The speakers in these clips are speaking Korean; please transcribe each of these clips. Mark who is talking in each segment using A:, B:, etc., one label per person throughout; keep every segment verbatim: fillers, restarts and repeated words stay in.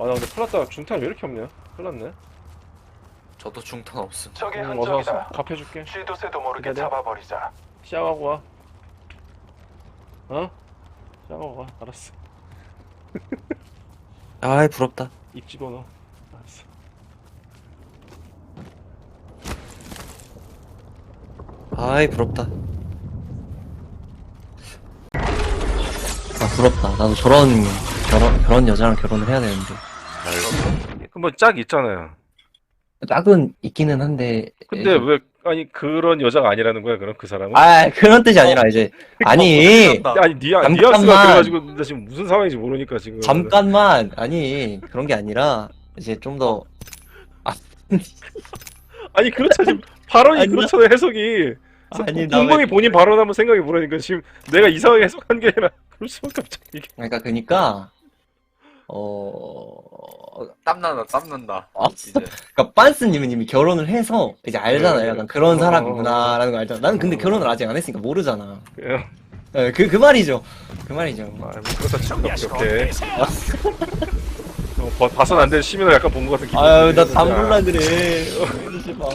A: 아 나 근데 큰일났다. 중탄 왜 이렇게 없냐? 큰일났네.
B: 저도 중탄 없음.
C: 적의
A: 응, 어서 와서
C: 흔적이다.
A: 갚여줄게.
C: 쥐도 새도 모르게
A: 기다려.
C: 잡아버리자.
A: 시작하고 와. 어? 시작하고 와. 알았어.
B: 아이 부럽다.
A: 입 집어넣어. 알았어.
B: 아이 부럽다. 아 부럽다. 나도 저런 결혼 그런 여자랑 결혼을 해야 되는데.
A: 그럼 뭐 짝이 있잖아요.
B: 짝은 있기는 한데.
A: 근데 왜 아니 그런 여자가 아니라는 거야? 그럼 그 사람은?
B: 아 그런 뜻이 아니라 이제 아니
A: 아니 니아
B: 잠깐만.
A: 뉘앙스가 그래가지고 나 지금 무슨 상황인지 모르니까 지금.
B: 잠깐만 아니 그런 게 아니라 이제 좀 더
A: 아니 그렇죠 지금 발언이
B: 아니야.
A: 그렇잖아요 해석이.
B: 아니, 나
A: 공공이
B: 왜-
A: 본인 발언 한번 생각해 보라니까 지금 내가 이상하게 해석한 게 아니라 그럴 수밖에 없잖아 이게.
B: 그러니까 그러니까 어
D: 땀난다 땀난다
B: 아,
D: 이제.
B: 그러니까 빤스님은 이미 결혼을 해서 이제 알잖아요.
A: 네.
B: 약간 그런
A: 어.
B: 사람이구나라는 걸 알잖아. 나는 근데
A: 어.
B: 결혼을 아직 안 했으니까 모르잖아.
A: 그냥
B: 네, 그, 그 말이죠. 그 말이죠.
A: 아, 뭐 그렇다 치고 이렇게 어, 버- 봐선 안 될 시민을 약간 본 것 같은 기분.
B: 아유, 나 담글라 그래. 이러지 마.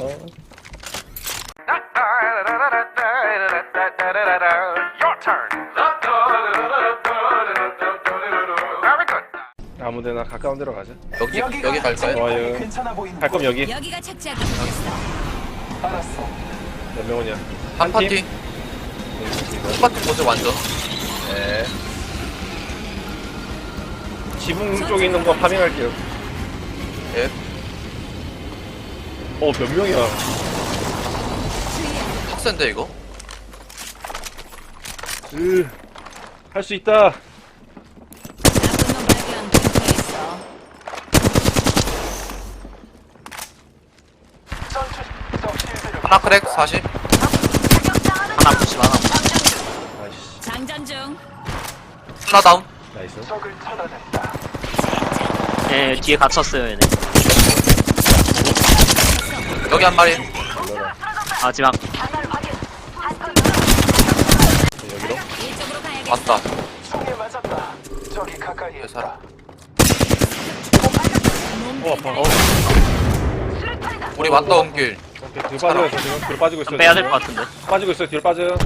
A: 아무데나 가까운 데로 가자.
B: 여기,
C: 여기가
B: 여기 갈까요?
A: 좋아요.
C: 괜찮아 보인다.
A: 갈 거면 여기.
E: 여기가 착지하기 좋겠어.
C: 알았어.
A: 몇 명이냐?
B: 한
A: 한 팀?
B: 파티. 한 파티 보죠, 완전.
A: 네. 지붕 쪽에 있는 거 파밍할게요.
B: 예.
A: 어, 몇 명이야?
B: 빡센데, 이거?
A: 으, 할 수 있다.
E: 나쁜 놈 발견. 근처에 있어.
C: 전투 적 실드를
B: 하나 크랙, 사십. 하나 구십, 하나.
A: 아이씨,
E: 장전 중.
B: 하나 다운.
A: 나이스.
C: 적을 찾아낸다.
F: 예, 뒤에 갇혔어요, 얘네.
B: 여기 한 마리.
A: 올라라.
F: 마지막.
A: 여기로?
E: 이쪽으로 가야겠어.
B: 왔다.
C: 총에 맞았다. 적이 가까이에
B: 왜 살아?
A: 어, 아파. 어,
B: 우리 왔다 온 길.
A: 오케이, 뒤로 빠지고 있어, 지금. 뒤로 빠지고 있어.
F: 빼야 될 것 같은데.
A: 빠지고 있어, 뒤로 빠져요.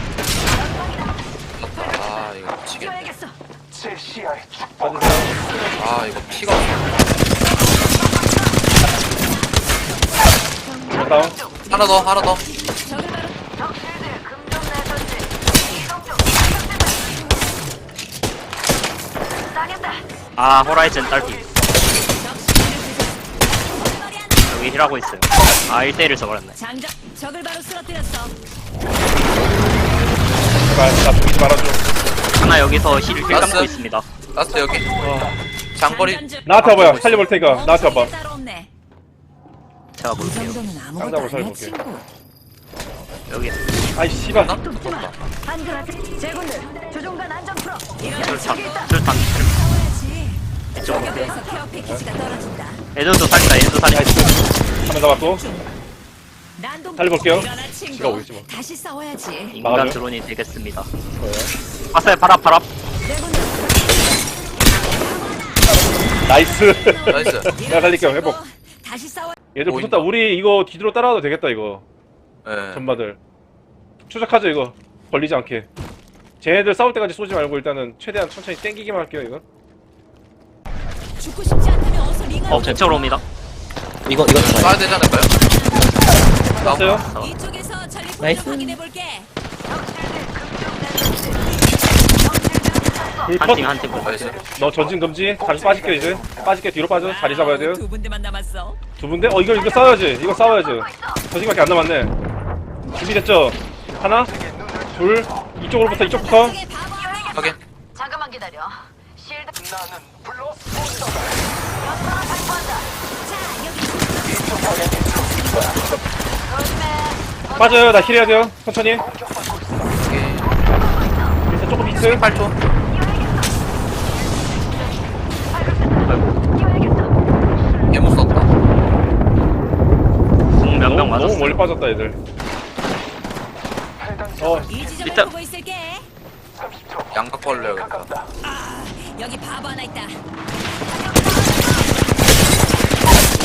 B: 아, 이거 미치겠네.
C: 제 시야에 축복.
A: 빠지세요.
B: 아, 이거 피가 없어.
A: 뒤로 다운.
B: 하나 더, 하나 더.
E: 적을 바로
F: 아, 호라이즌 딸피.
E: 적 시비를 부쉈어. 머리 안 돼.
F: 여기 힐하고 있어요. 아, 일 대일을 저버렸네.
E: 장전. 적을 바로 쓰러뜨렸어.
A: 제발, 나 죽이지 말아줘.
F: 하나 여기서 힐, 힐
B: 나이스.
F: 감고 있습니다.
B: 라스트 여기.
A: 어.
B: 장거리.
E: 장전 중.
A: 나한테 와봐요. 살려볼 테니까. 나한테 와봐.
E: 따로 없네.
F: 제가
E: 이
F: 볼게요.
E: 정도는
A: 쌍잡으로
E: 아무것도 아니야,
A: 살려볼게.
E: 친구.
F: 여기.
A: 아이, 씨발.
B: 하나? 좋다.
E: 제군들, 조종관 안전 풀어. 이런
F: 술탄,
E: 적이 있다.
F: 술탄.
E: 싸워야지.
F: 이쪽으로.
E: 여기에서 케어 패키지가 떨어진다.
F: 애들도 살린다, 애들도 살린다.
A: 나이스. 한명 잡았고.
E: 난동
A: 살려볼게요.
E: 일어나,
A: 지가
E: 친구.
A: 오겠지 뭐.
E: 다시 싸워야지.
F: 인간
A: 막아줘요?
F: 드론이 되겠습니다.
A: 좋아요.
F: 봤어요, 바랍, 바랍.
E: 내군들.
A: 나이스.
B: 나이스.
A: 내가 살릴게요. 회복.
E: 다시 싸워.
A: 얘들
B: 보인다.
A: 붙었다. 우리 이거 뒤로 따라와도 되겠다, 이거.
B: 예.
A: 전마들. 추적하죠, 이거. 걸리지 않게. 쟤네들 싸울 때까지 쏘지 말고 일단은 최대한 천천히 땡기기만 할게요, 이거.
E: 죽고 싶지 않다면 어서 링을.
F: 어, 제 쪽으로 옵니다.
B: 이거, 이거 쏴야 되지 않을까요?
A: 쐈어요?
F: 어.
E: 이쪽에서 전리
B: 나이스.
E: 포인트 확인해 볼게.
A: 불 컷.
F: 한 팀, 한 팀.
B: 나이스.
A: 너 전진 금지. 다시 빠질게, 이제. 빠질게, 뒤로 빠져. 자리 잡아야 돼요.
E: 두 군데만 남았어.
A: 두 분데? 어, 이거, 이거 싸워야지. 이거 싸워야지. 저지밖에 안 남았네. 준비됐죠? 하나, 둘, 이쪽으로부터, 이쪽부터.
E: 저쪽에 바보 하나.
B: 확인.
G: 잠깐만 기다려. 실드
C: 나는 블러스 본더다.
A: 빠져요. 나 힐해야 돼요. 천천히.
C: 공격받고 있어.
B: 오케이.
A: 밑에 조금 히트.
B: 팔 초. 예무 썼다.
F: 공 몇 명
A: 너무, 너무
F: 맞았어요.
A: 멀리 빠졌다, 얘들.
C: 해당
A: 어,
E: 이 지점에
F: 일단-
E: 보고 있을게.
C: 삼십 초.
B: 양각 벌려야겠다.
C: 가깝다.
E: 아, 여기 바보 하나 있다.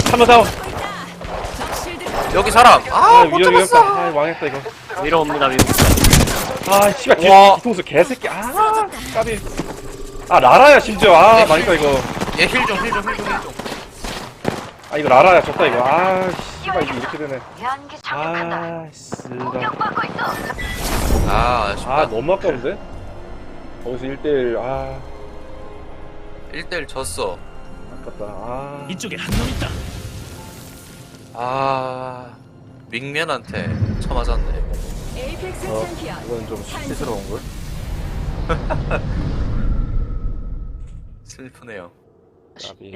A: 한번 다운.
E: 적 실드
D: 여기 사람.
A: 아,
D: 아, 못
A: 위험, 위험했다.
D: 잡았어.
A: 아, 망했다, 이거.
F: 위로 옵니다, 위로.
A: 아, 씨발, 뒤,
D: 와.
A: 뒤통수 개새끼. 아, 까비. 아, 라라야, 심지어. 아, 망했다, 이거.
D: 얘 힐 좀, 힐 좀, 힐 좀, 힐 좀.
A: 아, 이거 라라야, 졌다, 이거. 아, 씨발, 이게 이렇게 되네.
G: 연기 착륙한다.
A: 아, 쓰다.
G: 공격받고 있어.
D: 아, 아쉽다.
A: 아, 너무 아까운데? 거기서 일 대일, 아,
D: 일 대 일 졌어.
A: 아깝다. 아.
H: 이쪽에 한 놈 있다.
D: 아, 밍면한테 쳐맞았네.
E: 에이펙스
A: 어,
E: 챔피언.
A: 이건 좀
D: 시스러운 걸? 슬프네요.
A: 까비.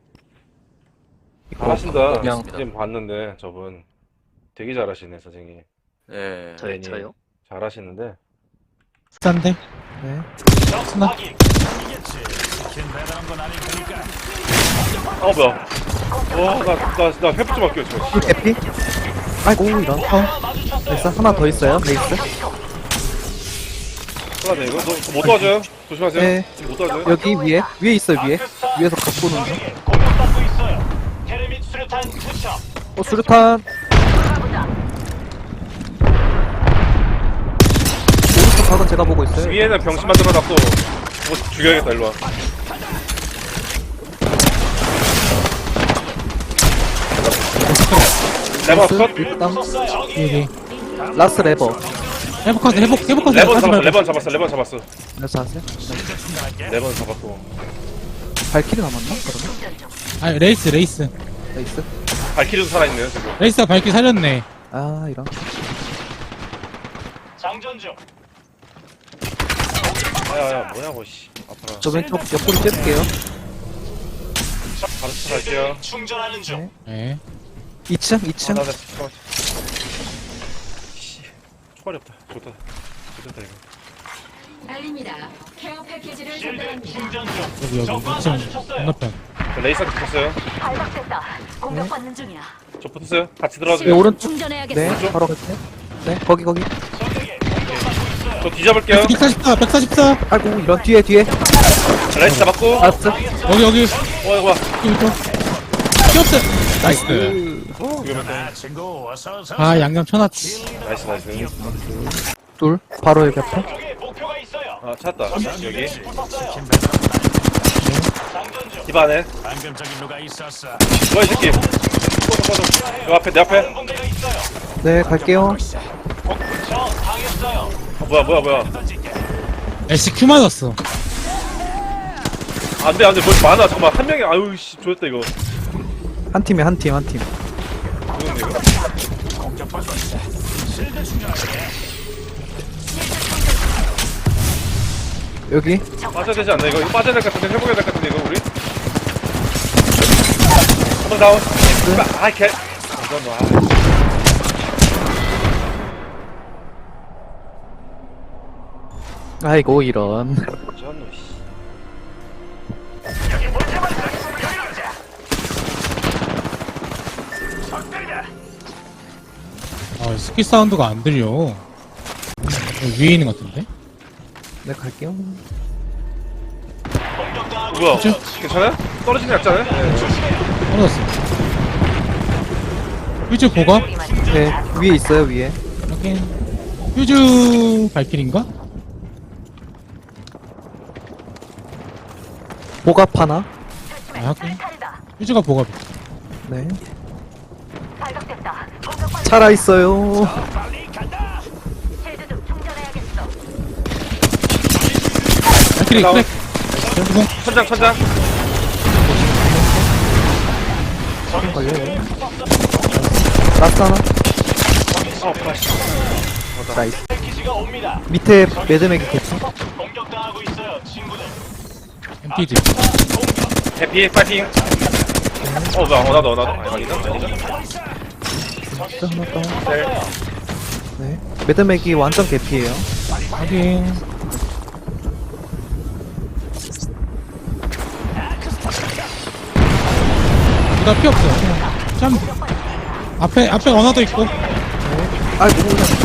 B: 이거
A: 잘하신다.
B: 그냥
A: 지금 봤는데, 저분. 되게 잘하시네, 선생님.
D: 네.
F: 저요, 저요.
A: 잘하시는데.
H: 싼데?
A: 어, 뭐야. 와, 나, 나, 나 회복 좀 할게요, 저.
I: 에피? 아이고 이런 어 됐어 하나 더 있어요 레이스
A: 하나 이거? 너, 못 도와줘요? 조심하세요.
I: 네.
A: 지금 못 도와줘요?
I: 여기 위에 위에 있어 위에 위에서 갖고 오는 중어 수류탄 오른쪽 각은 제가 보고 있어요
A: 위에는 병신 만들어놨고, 뭐 죽여야겠다, 일로와. 레버
I: 레이스
A: 컷?
I: 일당
H: 여기.
I: 라스 레버
H: 회복하세, 회복, 회복하세.
A: 레번
H: 하지
A: 잡았어,
H: 말고.
A: 레번 잡았어, 레번 잡았어.
I: 그래서 하세요
A: 레번 잡았고.
I: 발키리 남았나 그러면
H: 아, 레이스, 레이스.
I: 레이스
A: 발키리도 살아있네요, 지금.
H: 레이스가 밝게 살렸네.
I: 아 이런
A: 야야야, 뭐냐고, 씨. 아파라.
I: 저 왼쪽 옆구리 째릴게요
A: 바로 갈게요.
H: 네.
I: 이 층 이
A: 아,
I: 층
A: 나, 나, 잠깐만. 씨. 초발이 없다. 좋다. 좋다, 이거.
E: 알립니다. 케어 패키지를 전달합니다.
H: 여기, 여기. 이 층 건너편.
A: 저 레이서 붙었어요.
G: 발각됐다. 공격받는 중이야.
A: 저 붙었어요. 같이 들어가도
I: 네,
A: 돼요.
I: 오른쪽
E: 충전해야겠어.
I: 네 바로 갈게요 네 거기 거기
A: 저 뒤잡을게요.
H: 백사십사, 백사십사.
I: 아이고 이런 뒤에 뒤에
A: 레이스 잡았고.
I: 라스
H: 여기, 여기.
A: 어, 이거 봐.
H: 여기 또. 키옵스. 나이스.
A: 위험했다.
H: 아, 양념 쳐놨지.
A: 나이스, 나이스.
I: 둘 바로 여기 앞에
A: 아, 찾았다. 여기. 집 안에. 뭐야, 이 새끼. 꺼져, 꺼져. 요 앞에, 내 앞에.
I: 네 갈게요
A: 아, 뭐야, 뭐야, 뭐야.
H: 에스큐 맞았어.
A: 안 돼, 안 돼. 뭘 많아. 잠깐만. 한 명이, 아유, 씨. 좋았다, 이거.
I: 한 팀에 한 팀 한팀
A: 누군데, 이거?
I: 여기
A: 빠져야 되지 않나, 이거? 이거 빠져야 될 것 같은데, 회복해야 될 것 같은데, 이거, 우리? 한번 다운. 아, 개. 이건 뭐, 아.
I: 아이고 이런
A: 쩐노, 씨.
H: 아, 스킬 사운드가 안 들려. 여기 위에 있는 것 같은데?
I: 네 갈게요
A: 뭐야?
H: 그쵸?
A: 괜찮아요? 떨어지는 게 낫잖아요?
H: 떨어졌어. 휴즈 보가?
I: 네 위에 있어요 위에
H: 확인. 휴즈 발길인가?
I: 보갑 하나
H: 아, 확인.
G: 탈이다.
H: 휴즈가 보가.
I: 네
G: 발각됐다. 공격받는
I: 살아 있어요
G: 실드 좀 충전해야겠어.
H: 발길이,
A: 다운.
H: 그래. 그리고
A: 천장, 천장.
I: 좀 걸려요 라스 하나
A: 어, 플라시.
I: 나이스 밑에 매드맥이 개피
H: 엠피지.
A: 해피, 파이팅. 어, 뭐야, 어, 나도, 나도. 아니, 아니다, 아니다.
I: 진짜 하나 다운
A: 네.
I: 네 매드맥이 완전 개피예요
H: 확인. 나 피 없어. 참. 앞에, 앞에 원화도 있고.
I: 아이고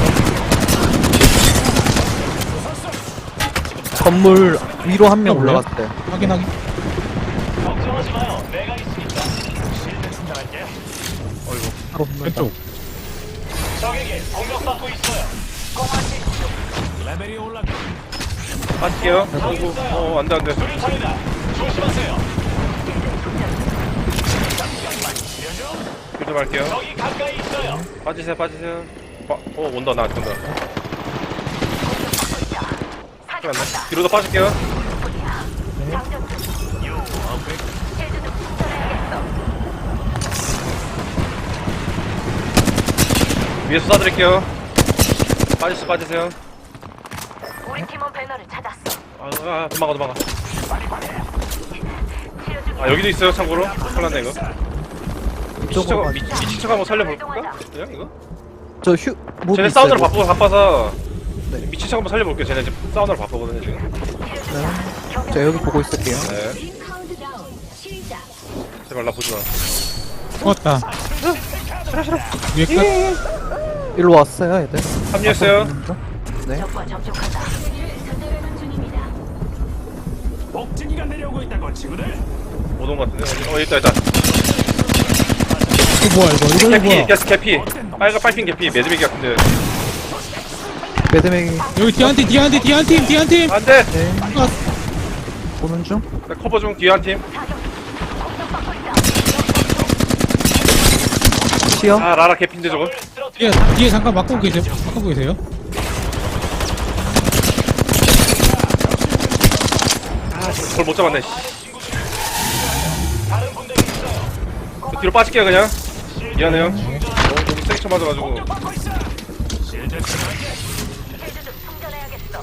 I: 건물 위로 한 명
H: 뭐야?
I: 올라갔어요
H: 확인, 확인.
I: 바로 붙는다.
H: 왼쪽.
A: 빠질게요. 아이고, 어, 안 돼, 안 돼. 좀 할게요. 빠지세요, 빠지세요. 빠, 어, 온다, 나한테 온다. 큰일 났네. 뒤로도 빠질게요. 위에서 쏴드릴게요. 빠지세요, 빠지세요.
G: 우리 팀원 배너를 찾았어.
A: 아, 아, 도망가, 도망가. 아, 여기도 있어요, 참고로. 큰일 났네, 이거. 미친 척,
I: 이쪽으로
A: 미, 미친 척 한번 살려볼까? 그냥 이거?
I: 저 휴, 뭐
A: 쟤네
I: 있어요,
A: 사우나로
I: 뭐.
A: 바쁘고 바빠서
I: 네.
A: 미친 척 한번 살려볼게요. 쟤네 지금 사우나로 바쁘거든요, 지금.
I: 네. 자, 여기 보고 있을게요.
A: 네. 제발 나 보지 마.
H: 죽었다. 위에 끝.
I: 일로 왔어요, 애들.
A: 합류했어요.
I: 네.
G: 적과 접촉한다. 전달하는 중입니다.
A: 못 온 것 같은데. 어디- 어, 있다, 있다.
H: 이거 뭐야 이거? 이거
A: 개피,
H: 뭐야?
A: 게스 개피. 빨간 빨핑 개피. 매드맥이 같은데.
I: 매드맥이,
H: 여기 뒤에 한 팀, 뒤에 한 팀, 뒤에 한 팀, 뒤에 한 팀.
A: 안 돼!
I: 네.
H: 아,
I: 보는 중.
A: 나 커버 중, 뒤에 한 팀.
I: 치어.
A: 아, 라라 개피인데, 저거.
H: 뒤에 뒤에 잠깐 막고 계세요. 막고 계세요.
A: 아, 저걸 못 잡았네, 씨. 저 뒤로 빠질게요, 그냥. 미안해요. 너무, 너무 세게 쳐맞아가지고.
G: 헬드 좀 충전해야겠어.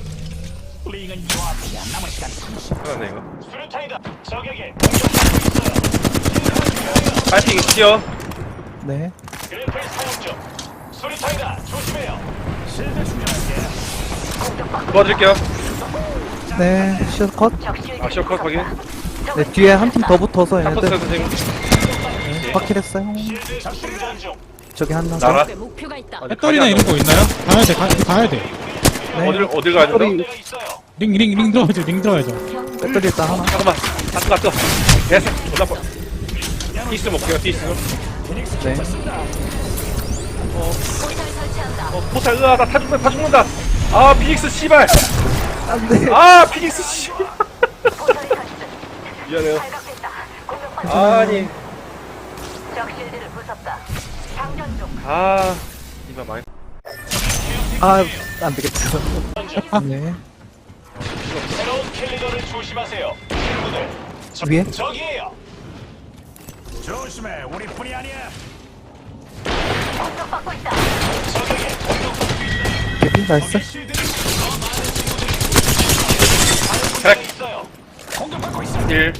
A: 큰일 났네, 이거. 빨핑 튀어.
I: 네.
A: 도와드릴게요.
I: 네. 치어 컷.
A: 아, 시어컷 확인.
I: 네, 뒤에 한 팀 더 붙어서
A: 탑터스요,
I: 얘네들
A: 선생님.
I: 확킬했어요. 저기 한 명.
A: 나라.
G: 목표가 있다.
A: 아직
H: 배터리나
A: 각이 안
H: 이런 거 있나요? 가야 돼, 가, 가야 돼.
I: 네.
A: 어딜, 어딜 가야 된다?
I: 배터리,
H: 링, 링, 링 들어가죠, 링 들어가죠.
I: 배터리 일단 하나.
A: 잠깐만. 갔어, 갔어. 됐어. 존나 뻔. 디스 먹게요, 디스.
I: 네.
G: 포탈 설치한다.
A: 어, 포탈, 으아, 나 타 죽는다, 타 죽는다. 아, 피닉스, 씨발.
I: 안 돼.
A: 아, 피닉스, 씨.
G: 포탈이 설치.
A: 미안해요.
G: 발각됐다. 공격받는
A: 아니.
G: 적 실드를 부쉈다. 장전 중.
A: 아, 이만 많이.
I: 아, 안 되겠어. 네. 위에?
G: 공격받고 있다.
I: 개피 나이스.
A: 크랙. 일.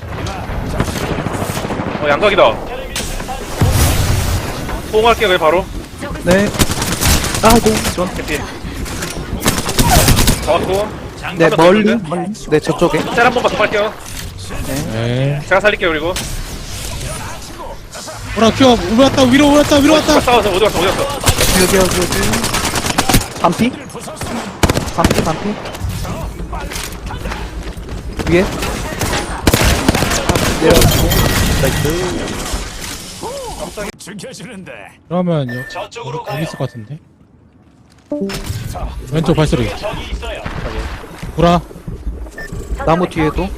A: 어, 양각이다. 소홍할게요, 그냥 바로.
I: 네. 아이고, 전.
A: 개피. 잡았고.
I: 네,
A: 한번더
I: 멀리.
A: 있는데?
I: 멀리. 네, 저쪽에.
A: 짤 한 번만 더 빨게요.
H: 네.
A: 제가 살릴게요, 그리고.
H: 오라 큐, 올랐다, 위로 올랐다, 위로 왔다.
A: 싸워서 어디 갔어, 어디 갔어.
I: 여기, 여기, 여기. 반피? 반피, 반피. 위에? 내려가지고. 나이스.
H: 그러면 여, 여기 있을 것 같은데. 왼쪽 발소리. 오라.
I: 나무 뒤에도.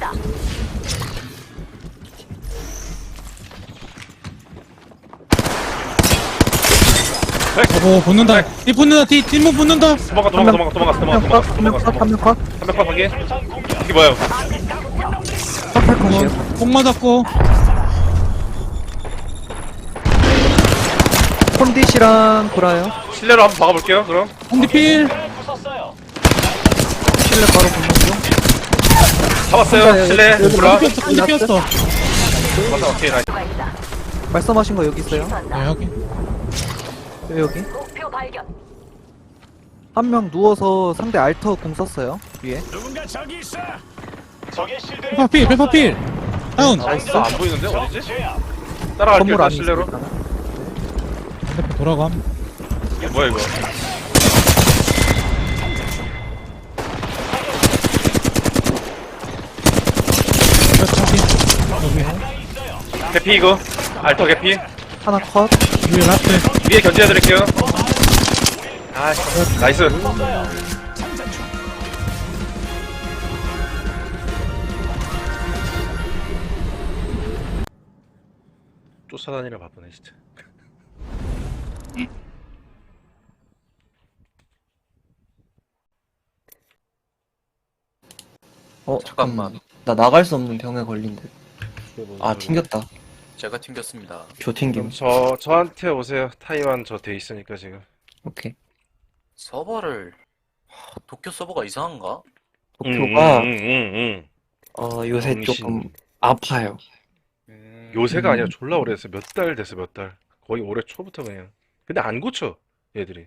H: 오, 붙는다. 이 붙는다, 뒤, 뒷문 붙는다.
A: 도망가, 도망가, 도망가, 도망가, 도망가,
I: 한명 컷,
A: 도망가,
I: 한명
A: 도망가,
I: 컷, 한명 컷.
A: 삼백 컷 확인. 이게 뭐야?
I: 컷할 컷이에요.
H: 꼭 맞았고.
I: 콘디시랑 구라요.
A: 실내로 한번 박아볼게요, 그럼.
H: 홍디필.
I: 실내 바로 붙는 중.
A: 잡았어요, 실내.
I: 여기
A: 몰라.
H: 홍디 피었어, 홍디 피었어.
A: 맞아, 오케이, 나이스.
G: 수가 있다.
I: 말씀하신 거 여기 있어요.
H: 네,
G: 수한다.
H: 여기.
I: 여기.
G: 목표 발견.
I: 한 명 누워서 상대 알터 공 썼어요. 위에.
H: 페퍼필, 페퍼필. 다운.
A: 나이스. 안 보이는데? 어디지? 따라갈게요,
I: 건물
A: 일단
I: 안에
A: 실내로.
I: 있으니까.
H: 반대편 돌아감.
A: 이게 뭐야, 이거?
H: 여기.
A: 개피, 이거. 알터 개피.
I: 하나 컷.
H: 위에 라스트.
A: 위에 견제해드릴게요. 아, 나이스. 쫓아다니라 바쁘네 진짜.
B: 어
D: 잠깐만.
B: 나 나갈 수 없는 병에 걸린 듯. 아 튕겼다.
D: 제가 튕겼습니다.
B: 교 튕김.
A: 그럼 저 저한테 오세요. 타이완 저 돼 있으니까 지금.
B: 오케이.
D: 서버를 하, 도쿄 서버가 이상한가?
B: 도쿄가
A: 음, 음, 음, 음.
B: 어 요새
A: 정신.
B: 조금 아파요.
A: 요새가 아니라 졸라 오래됐어. 몇 달 됐어 몇 달. 거의 올해 초부터 그냥. 근데 안 고쳐 얘들이.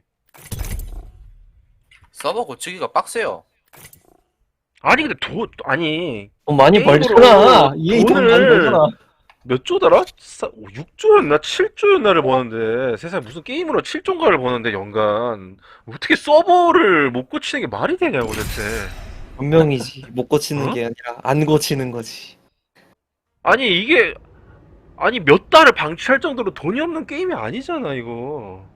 D: 서버 고치기가 빡세요.
A: 아니 근데 도 아니
B: 돈 많이
A: 게임으로
B: 벌잖아. 이해 돈 많이
A: 돈을
B: 벌잖아.
A: 몇 조더라? 육 조였나 칠 조였나를 버는데 세상에 무슨 게임으로 칠 조인가를 버는데 연간 어떻게 서버를 못 고치는 게 말이 되냐고 대체.
B: 분명이지. 못 고치는
A: 어?
B: 게 아니라 안 고치는 거지.
A: 아니 이게 아니 몇 달을 방치할 정도로 돈이 없는 게임이 아니잖아 이거.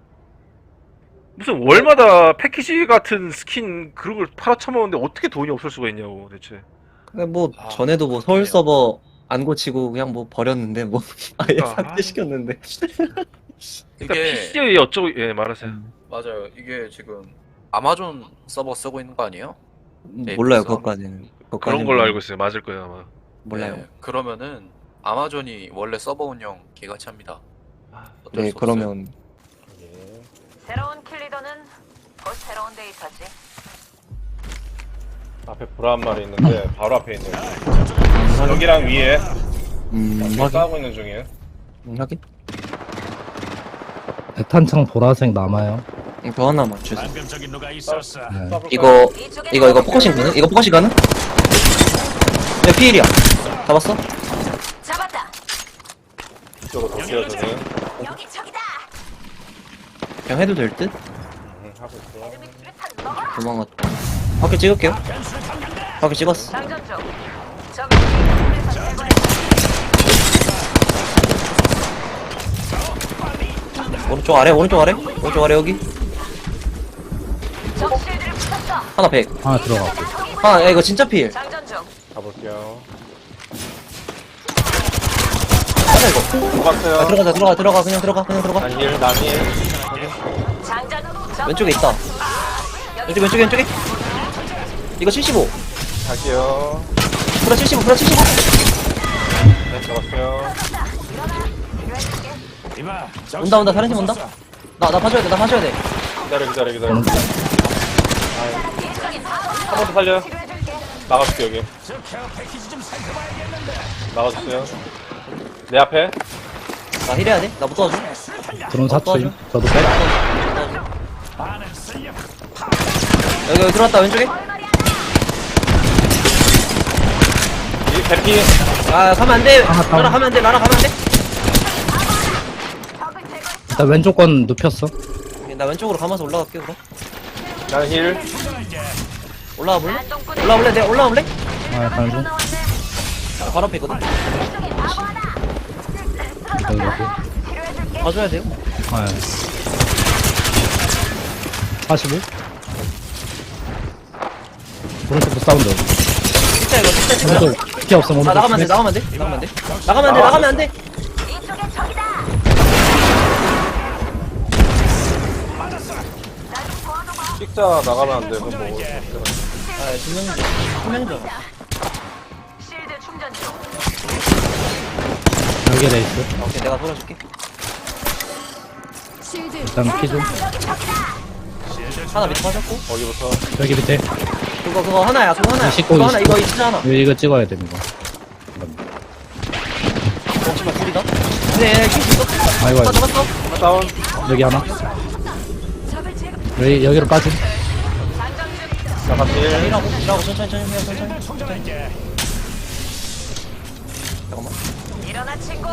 A: 무슨 월마다 패키지 같은 스킨 그런 걸 팔아쳐먹는데 어떻게 돈이 없을 수가 있냐고 대체.
B: 근데 뭐
D: 아,
B: 전에도 뭐 서울
D: 그래요.
B: 서버 안 고치고 그냥 뭐 버렸는데 뭐 아예
A: 아.
B: 삭제시켰는데.
A: 그러니까
D: 이게
A: 피씨에 어쩌고 예 말하세요.
D: 맞아요. 이게 지금 아마존 서버 쓰고 있는 거 아니에요? 네,
B: 몰라요
D: 그래서
B: 그것까지는.
A: 그런
B: 그것까지는
A: 걸로 알고 있어요. 맞을 거예요 아마.
B: 몰라요.
D: 네, 그러면은 아마존이 원래 서버 운영 개같이 합니다. 어쩔
B: 네
D: 수 없어요.
B: 그러면
G: 새로운 킬리더는 곧 새로운 데이터지.
A: 앞에 보라 한 마리 있는데 바로 앞에 있네요. 여기랑 위에
B: 음
A: 지금
B: 확인
A: 싸우고 있는 중이에요.
B: 음, 확인.
H: 대탄창 보라색 남아요.
B: 음, 더 하나만 주세요.
H: 네.
A: 싸볼까요?
B: 이거
G: 이쪽에
B: 이거 이거 포커싱 가능? 이거 포커싱 가능? 네 피일이야. 잡았어?
G: 잡았다.
A: 이쪽으로 돌게요 저는.
G: 여기 적이다.
B: 그냥 해도 될 듯?
A: 음, 하고 있어요.
G: 에드믹 수류탄 먹어라.
B: 도망갔다. 밖에 찍을게요. 밖에 찍었어.
G: 장전 중. 적을 뒤에서 제거해.
B: 오른쪽 아래 오른쪽 아래 오른쪽 아래 여기
G: 적 실드를 부쉈어.
B: 하나 백
H: 하나 들어가.
B: 하나 야 이거 진짜 필
G: 장전 중.
A: 가볼게요.
B: 하나 이거
A: 들어갔어요.
B: 아, 들어가자 들어가 들어가 그냥 들어가 그냥 들어가
A: 난일 난일.
G: 장전. 적
B: 왼쪽에 있다 왼쪽 왼쪽에 왼쪽에 이거 칠십오
A: 갈게요.
B: 프라 칠십오 프라 칠십오
A: 네 잡았어요.
B: 온다 온다 다른 팀 온다 나 나 봐줘야 돼나 봐줘야 돼
A: 기다려 기다려 기다려. 한 번 더 살려. 나가줄게 여기. 나가주세요. 내 앞에.
B: 나 힐해야 돼나 못 도와줘
H: 드론 사투임. 저도 빼.
B: 여기 여기 들어왔다 왼쪽에
A: 이 대피.
B: 아 가면 안돼
H: 아, 다운.
B: 나라 가면 안돼 나라 가면 안돼
H: 일단 왼쪽 건 눕혔어.
B: 나 왼쪽으로 감아서 올라갈게 그럼
A: 나는 힐.
B: 올라와 볼래? 올라와 볼래? 내가 올라와 볼래?
H: 아, 가는 중.
B: 나 바로 앞에 있거든
H: 여기, 여기.
B: 봐줘야 돼요
H: 아, 사십오? 오른쪽도 사운드.
B: 진짜 이거 진짜 진짜
H: 오른쪽 피 없음,
B: 아
H: 오른쪽.
B: 나가면 안돼 나가면 안돼 나가면 안돼 나가면 안돼 나가면 안돼
G: 이쪽에 적이다.
A: 찍자 나가면 안 돼. 그럼 뭐.
B: 아 두명이죠 두명이죠
G: 실드 충전 중.
H: 여기에 레이스.
B: 오케이 내가 돌아줄게
H: 일단 피 좀.
B: 하나 밑에 빠졌고
A: 거기부터.
H: 여기 밑에.
B: 그거 그거 하나야 그거 하나야
H: 이십구,
B: 그거 하나
H: 이십구.
B: 이거 진짜 하나
H: 이거, 이거 찍어야 돼, 이거.
B: 잠시만 둘이다 네 킬수 있어
H: 아이고,
B: 하나
H: 아이고.
B: 잡았어
A: 하나 다운.
H: 여기 하나. 여기, 여기로 빠짐.
A: 나 같이 힐.
B: 일하고 일하고 천천히 천천히 해요 천천히 천천히 잠깐만
G: 일어나 친구.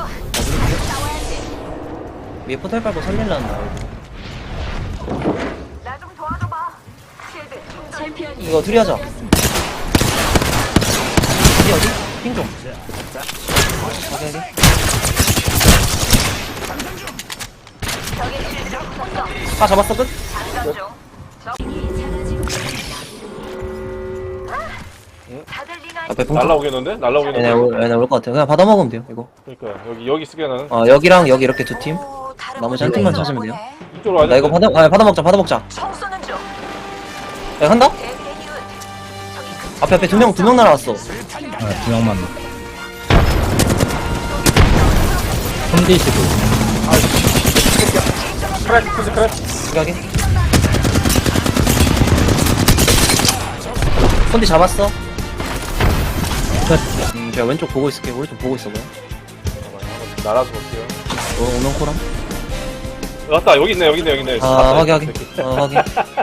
B: 위에 포탈 밟고 살릴란다
G: 나 좀 도와줘봐. 실드 충전.
B: 이거 둘이 하자 어디 어디? 핑좀 오케이 오케이 아 잡았어 끝?
G: 장전 중. 다들 링
B: 앞에 풍
A: 날라오겠는데? 날라오겠는데?
B: 얘네 올, 얘네 올 것 같아 그냥 받아 먹으면 돼요 이거
A: 그러니까 여기 여기 쓰게 나는
B: 어 여기랑 여기 이렇게 두팀
G: 오, 다른
B: 나머지 한
G: 분들이
B: 팀만
G: 있나
B: 찾으면 돼요.
G: 보네.
A: 이쪽으로 와야
B: 나 이거 받아 아 받아 먹자 받아 먹자
G: 총 쏘는 중.
B: 야 한다?
G: 대대윤. 저기 그
B: 앞에 앞에 두 명 두 명 날아왔어
H: 아, 두 명만. 홈디시도.
A: 크랙 크스 크랙
B: 여기 손디 잡았어 음 제가 왼쪽 보고 있을게 오른쪽 보고 있어 봐요
A: 날아서 볼게요
B: 어 오면 코랑
A: 맞다 여기 있네 여기 있네 여기 있네
B: 아 확인 확인 어 확인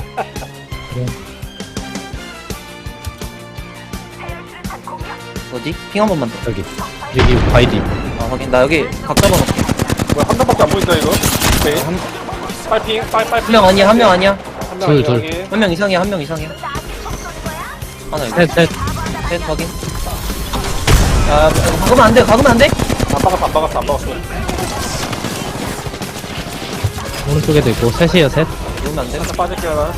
B: 어디? 핑 한 번만 더
H: 여기. 여기 바이디.
B: 아 확인 나 여기 각 잡아놓게
A: 뭐야 한 명밖에 안 보인다 이거 오케이
B: 한
A: 빨핑 빨빨
B: 명 아니야 한 명 아니야
H: 둘, 둘.
B: 한 명 이상이야 한 명 이상이야 하나 이거
H: 셋, 셋.
B: 셋 확인 야 박으면 안돼 박으면 안돼
A: 안 박았어 안 박았어 안 박았어
H: 오른쪽에도 있고, 셋이에요, 셋.
B: 이러면 안돼
A: 살짝 빠질게 하나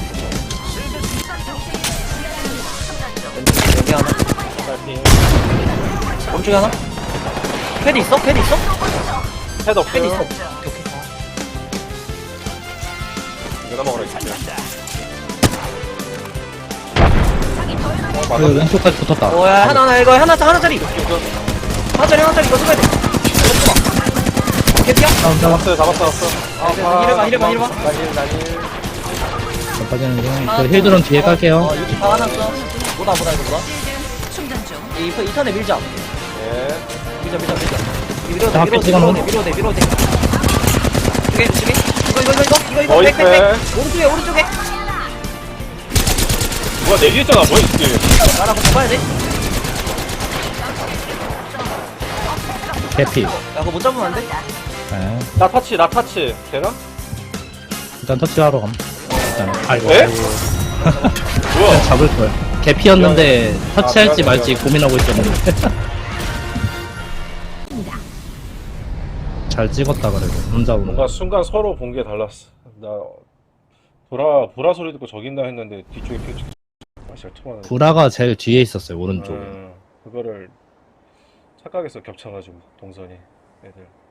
B: 여기 하나
A: 빨핑
B: 오른쪽에 하나 패드 있어? 패드 있어?
A: 헤드 없어요
B: 패드 있어 오케이 오케이
A: 내가 먹으라 했을게 어
H: 그
A: 맞았네
H: 왼쪽까지 붙었다.
B: 오야 하나 하나 이거 하나 하나짜리 하나짜리 하나짜리 이거 써야 돼 개피야?
H: 다운, 다운.
A: 잡았어요 잡았어 잡았어
B: 이래봐, 이래봐, 이래봐.
A: 난일 난일
H: 더 빠지는 중. 그 힐드론 뒤에 깔게요.
B: 어 유티 다 하나 써 뭐다 뭐다 이거 뭐다
E: 충전 중.
B: 이 이 턴에 밀자
A: 예
B: 밀자 밀자 밀자 밀어도
H: 자,
B: 돼 밀어도 돼
H: 찍어놓은
B: 밀어도 돼 밀어도 돼 두개 두개 이거 이거 이거 이거 이거
A: 어이,
B: 이거 백백백
A: 백.
B: 오른쪽에 오른쪽에
A: 누가 내기했잖아 뭐야 이게
B: 나라고 잡아야 돼?
H: 개피.
B: 야 그거 못 잡으면 안 돼?
H: 네.
A: 나 타치 나 타치 되나?
H: 일단 터치하러 감. 일단. 아이고.
A: 에?
H: 아이고.
A: 뭐야
H: 잡을 걸. 개피였는데 터치할지
A: 미안해,
H: 말지
A: 미안해.
H: 고민하고 있었는데. 잘 찍었다 그래도 혼자 오는
A: 뭔가
H: 거.
A: 순간 서로 본 게 달랐어 나 보라 보라 소리 듣고 저긴다 했는데 뒤쪽에 핑 맛이 통하는
H: 구라가 제일 뒤에 있었어요 오른쪽에.
A: 음, 그거를 착각해서 겹쳐가지고 동선이 애들